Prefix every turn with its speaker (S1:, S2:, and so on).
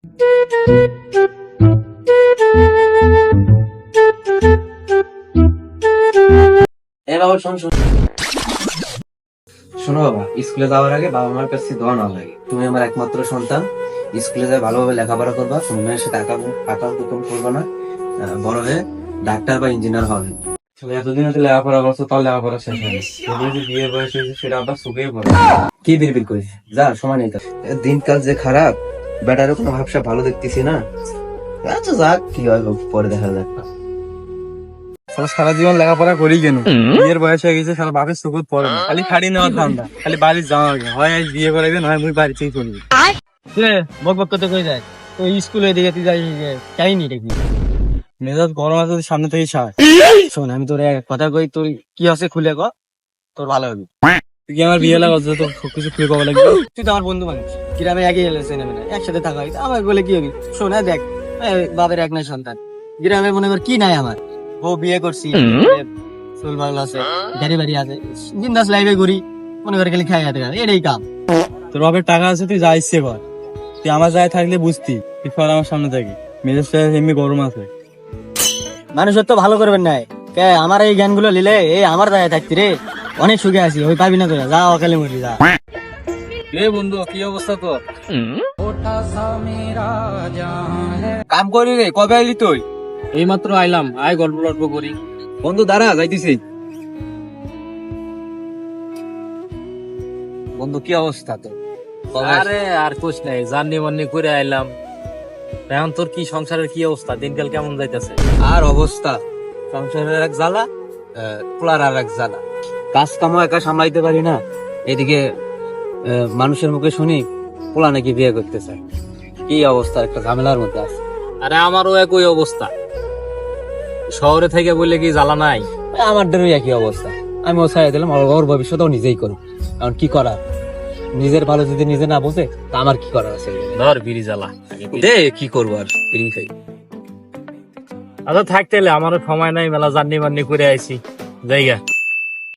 S1: বাবা শোনো বাবা, স্কুলে যাওয়ার আগে বাবা মার কাছে দোয়া না লাগে। তুমি আমার একমাত্র সন্তান, স্কুলে যাই ভালোভাবে লেখাপড়া করবা, সময়ের সাথে আঁকাম কুকুম করবা না, বড় হয়ে ডাক্তার বা ইঞ্জিনিয়ার হবে।
S2: এতদিন হচ্ছে লেখাপড়া করছো, তার লেখাপড়া শেষ হয়নি। বিয়ে বয়স হয়েছে সেটা আবার শুকিয়ে পড়ে।
S1: কি বিড়বিড় করিস, যা সময় নেই। দিনকাল যে খারাপ, বেটারও কোনো ভাবসা ভালো দেখতেছি না। আচ্ছা যাক, কি হয় পরে দেখা যাক।
S2: সারা জীবন লেখাপড়া করি কেন? বিয়ের বয়স হয়ে গেছে, সারা বাপের সুকুত পড়ে না, খালি খাড়ি নেওয়ার ধান্দা, খালি বাড়ির যাওয়া আগে হয় বিয়ে করাইবে, নয় মুই বাড়িতেই চলবি।
S3: বক বক করতে কই যায় তো স্কুলে দিকে তুই যাই চাইনি দেখবি
S2: মেজাজ গরম আছে, সামনে থেকে ছাড়।
S3: শোন, আমি তোর এক কথা কই, তোর কি আছে খুলে ক, তোর ভালো হবে।
S2: তুই কি আমার বিয়ে লাগা তোর সবকিছু খুলে কবা লাগবে?
S3: তুই তো আমার বন্ধু মানুষ, গ্রামে একই এলেছে না একসাথে থাকা হইতো, আমার বলে কি হবে? শোন, দেখ, বাপের এক নাই সন্তান, গ্রামে মনে কর কি নাই আমার, বউ বিয়ে করছি, চুল ভালো আছে, গাড়ি বাড়ি আছে, বিন্দাস লাইফে ঘুরি, মনে করে খালি খাই হাতে এটাই কাম।
S2: তোর বাপের টাকা আছে, তুই যা ইচ্ছে কর। তুই আমার জায়গায় থাকলে বুঝতি, তুই ফল আমার সামনে থাকি। মেজাজটা এমনি গরম আছে।
S3: মানুষের তো ভালো করবেন নাই, কে আমার এই জ্ঞানগুলো নিলে এই আমার দায় থাকতি রে, অনেক সুখে আছি, ওই পাবি না তোরা, যা অকালে মরি যা।
S2: এ বন্ধু, কি অবস্থা তোর? কাম করি রে, কবে আইলি তুই?
S3: এই মাত্র আইলাম, আয় গল্প গল্প করি।
S2: বন্ধু দাঁড়া, যাইতেছি। বন্ধু কি অবস্থা তোর?
S3: আরে আর কুছ নাই, জার্নি মার্নি করে আইলাম। এখন তোর কি সংসারের কি অবস্থা, দিনকাল কেমন যাইতেছে?
S1: আর অবস্থা, সংসারের এক জ্বালা, পোলার আর এক জ্বালা। কাজ কামও একা সামলাইতে পারি না, এদিকে মানুষের মুখে শুনি পোলা নাকি বিয়ে করতে চায়। কি অবস্থা, একটা ঝামেলার মধ্যে আছে।
S3: আরে আমারও একই অবস্থা, শহরে থেকে বললে কি জ্বালা নাই?
S1: আমাদেরও একই অবস্থা। আমি ও ছাড়াই দিলাম, ওর ভবিষ্যৎও নিজেই করুন। কারণ কি করার, নিজের ভালো যদি নিজে না বোঝে, তা আমার কি করার আছে?
S3: ধর বিড়ি জ্বালা
S1: দে, কি করবো আর, বিড়ি খাই।
S3: আচ্ছা থাকতে আমারও সময় নাই, মেলা জার্নি মার্নি করে আইছি, জায়গা